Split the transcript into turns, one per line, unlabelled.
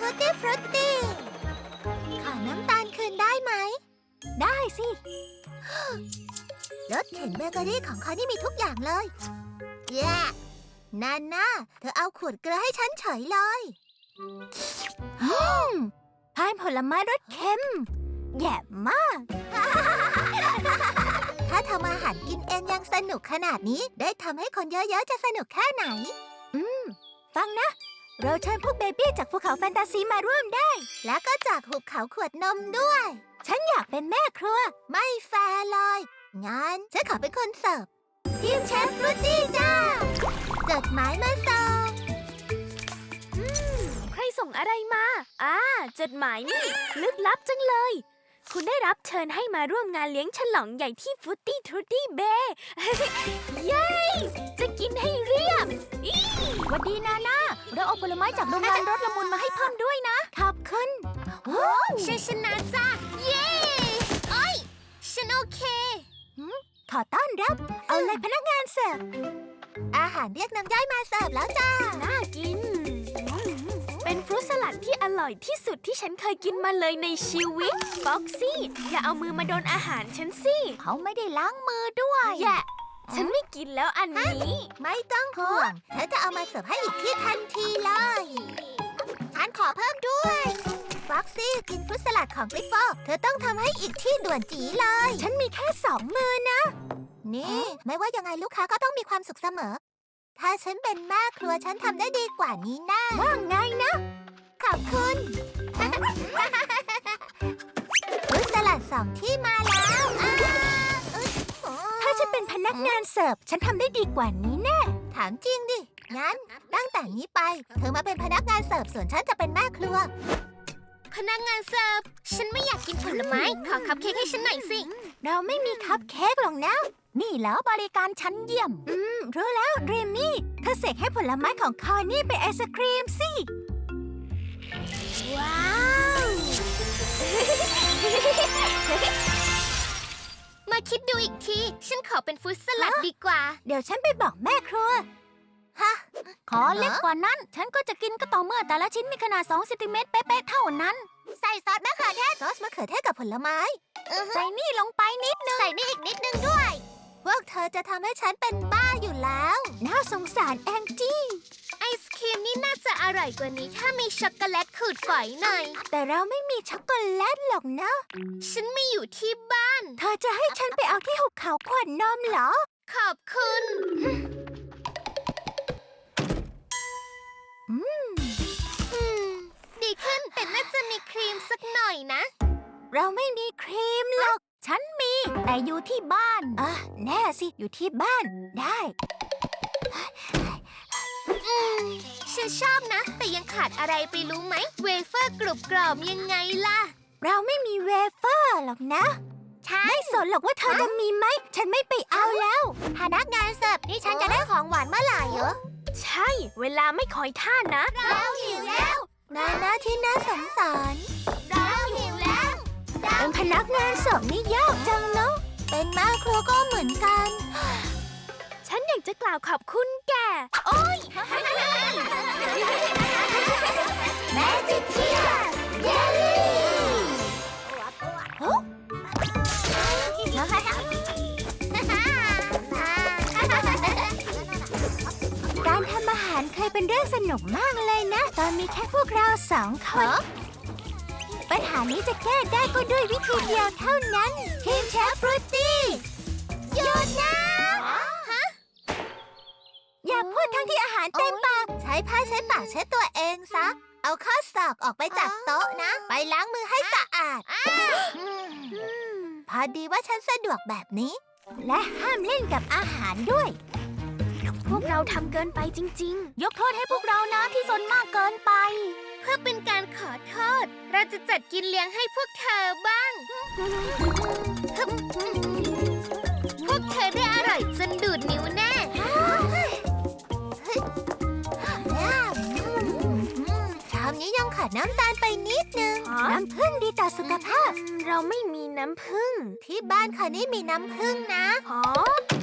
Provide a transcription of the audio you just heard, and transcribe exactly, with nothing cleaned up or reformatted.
ฟูตี้ฟรุตตี้ขอน้ำตาลคืนได้ไหมได้สิรถเข็นเบเกอรี่ของเขานี่มีทุกอย่างเลยแย่นาน่าเธอเอาขวดเกลือให้ฉันเฉยเลยพายผลไม้รสเค็มแย่มาก ถ้าทำอาหารกินเองยังสนุกขนาดนี้ได้ทำให้คนเยอะๆจะสนุกแค่ไหนอืมฟังนะเราเชิญพวกเบบี้จากภูเขาแฟนตาซีมาร่วมได้แล้วก็จากหุบเขาขวดนมด้วยฉันอยากเป็นแม่ครัวไม่แฟร์เลยงั้นฉันขอเป็นคนเสิร์ฟทีมเชฟฟรุตตี้จ้าจดหมายมาส่ง
ใครส่งอะไรมาอ่าจดหมายนี่ลึกลับจังเลยคุณได้รับเชิญให้มาร่วมงานเลี้ยงฉลองใหญ่ที่ฟุตตี้ทรูตี้เบย์ เย้จะกินให้เรียบ
สวัสดีนาน่าเราเอาผลไม้จากโรงงานรสละมุนมาให้เพิ่มด้วยนะขอบคุณฉันชนะจ้าเย้โอ้ยฉันโอเคขอต้อนรับเอาเลยพนักงานเสิร์ฟอาหารเรียกน้ำย่อยมาเสิร์ฟแล้วจ้า
น่ากินเป็นฟรุตสลัดที่อร่อยที่สุดที่ฉันเคยกินมาเลยในชีวิตฟ็อกซี่อย่าเอามือมาโดนอาหารฉันสิ
เขาไม่ได้ล้างมือด้วย
แย่ฉันไม่กินแล้วอันนี้
ไม่ต้องห่วงเธอจะเอามาเสิร์ฟให้อีกที่ทันทีเลยฉันขอเพิ่มด้วยฟ็อกซี่กินฟรุตสลัดของกริฟฟอร์เธอต้องทำให้อีกที่ด่วนจีเลยฉันมีแค่สองมือนะนี่ไม่ว่ายังไงลูกค้าก็ต้องมีความสุขเสมอถ้าฉันเป็นแม่ครัวฉันทำได้ดีกว่านี้แน่ว่าไงนะขอบคุณฟรุตสลัดสองที่มาแล้วถ้าฉันเป็นพนักงานเสิร์ฟฉันทำได้ดีกว่านี้แน่ถามจริงดิงั้นตั้งแต่นี้ไปเธอมาเป็นพนักงานเสิร์ฟส่วนฉันจะเป็นแม่ครัว
พนักงานเสิร์ฟฉันไม่อยากกินผลไม้ขอคัพเค้กให้ฉันหน่อยสิ
เราไม่มีคัพเค้กหรอกนะนี่แล้วบริการชั้นเยี่ยมอืมรู้แล้วเรมี่เธอเสกให้ผลไม้ของคอนี่เป็นไอศครีมสิ
ว้าว มาคิดดูอีกทีฉันขอเป็นฟรุตสลัดดีกว่า
เดี๋ยวฉันไปบอกแม่ครัวฮะขอเล็กกว่านั้นฉันก็จะกินก็ต่อเมื่อแต่ละชิ้นมีขนาดสองเซนติเมตรเป๊ะๆเท่านั้นใส่ซอสมะเขือเทศซอสมะเขือเทศกับผลไม้ใส่นี่ลงไปนิดนึง
ใส่นี่อีกนิดนึงด้วย
พวกเธอจะทำให้ฉันเป็นบ้าอยู่แล้วน่าสงสารแองจี้
ไอศครีมนี่น่าจะอร่อยกว่านี้ถ้ามีช็อกโกแลตขูดฝอยหน่อย
แต่เราไม่มีช็อกโกแลตหรอกนะ
ฉันไม่อยู่ที่บ้าน
เธอจะให้ฉันไปเอาที่หุบเขาขวดนมเหรอ
ขอบคุณ
อืม
ดีขึ้นแต่น่าจะมีครีมสักหน่อยนะ
เราไม่มีครีมหรอกฉันมีแต่อยู่ที่บ้านอ่ะแน่สิอยู่ที่บ้านได้
ฉันชอบนะแต่ยังขาดอะไรไปรู้ไหมเวเฟอร์กรุบกรอบยังไงล่ะ
เราไม่มีเวเฟอร์หรอกนะไม่สนหรอกว่าเธอจะมีไหมฉันไม่ไปเอาแล้วพนักงานเสิร์ฟนี่ฉันจะได้ของหวานเมื่อไหร่เหรอ
ใช่เวลาไม่คอยท่านะ
เราหิวแล้ว
นานะที่น่าสงสาร
เราหิวแล้ว
เป็นพนักงานเสิร์ฟนี่ยากจังเนาะเป็นแม่ครัวก็เหมือนกัน
ฉันอยากจะกล่าวขอบคุณแกโอ้ย
แมจิเทียเยลลี่
การทำอาหารเคยเป็นเรื่องสนุกมากเลยนะตอนมีแค่พวกเราสองคนปัญหานี้จะแก้ได้ก็ด้วยวิธีเดียวเท่านั้นทีมเชฟฟรุตตี้หยุดนะฮะอย่าพูดทั้งที่อาหารเต็มปากใช้ผ้าเช็ดปากเช็ดตัวเองซะเอาข้อศอกออกไปจากโต๊ะนะไปล้างมือให้สะอาดพอดีว่าฉันสะดวกแบบนี้และห้ามเล่นกับอาหารด้วย
พวกเราทำเกินไปจริง
ๆยกโทษให้พวกเรานะที่ซนมากเกินไป
เพื่อเป็นการขอโทษเราจะจัดกินเลี้ยงให้พวกเธอบ้างพวกเธอได้อร่อยจนดูดนิ้วแน่
ชามนี้ยังขาดน้ำตาลไปนิดนึงน้ำผึ้งดีต่อสุขภาพ
เราไม่มีน้ำผึ้ง
ที่บ้านค่ะนี่มีน้ำผึ้งนะ
ฮะ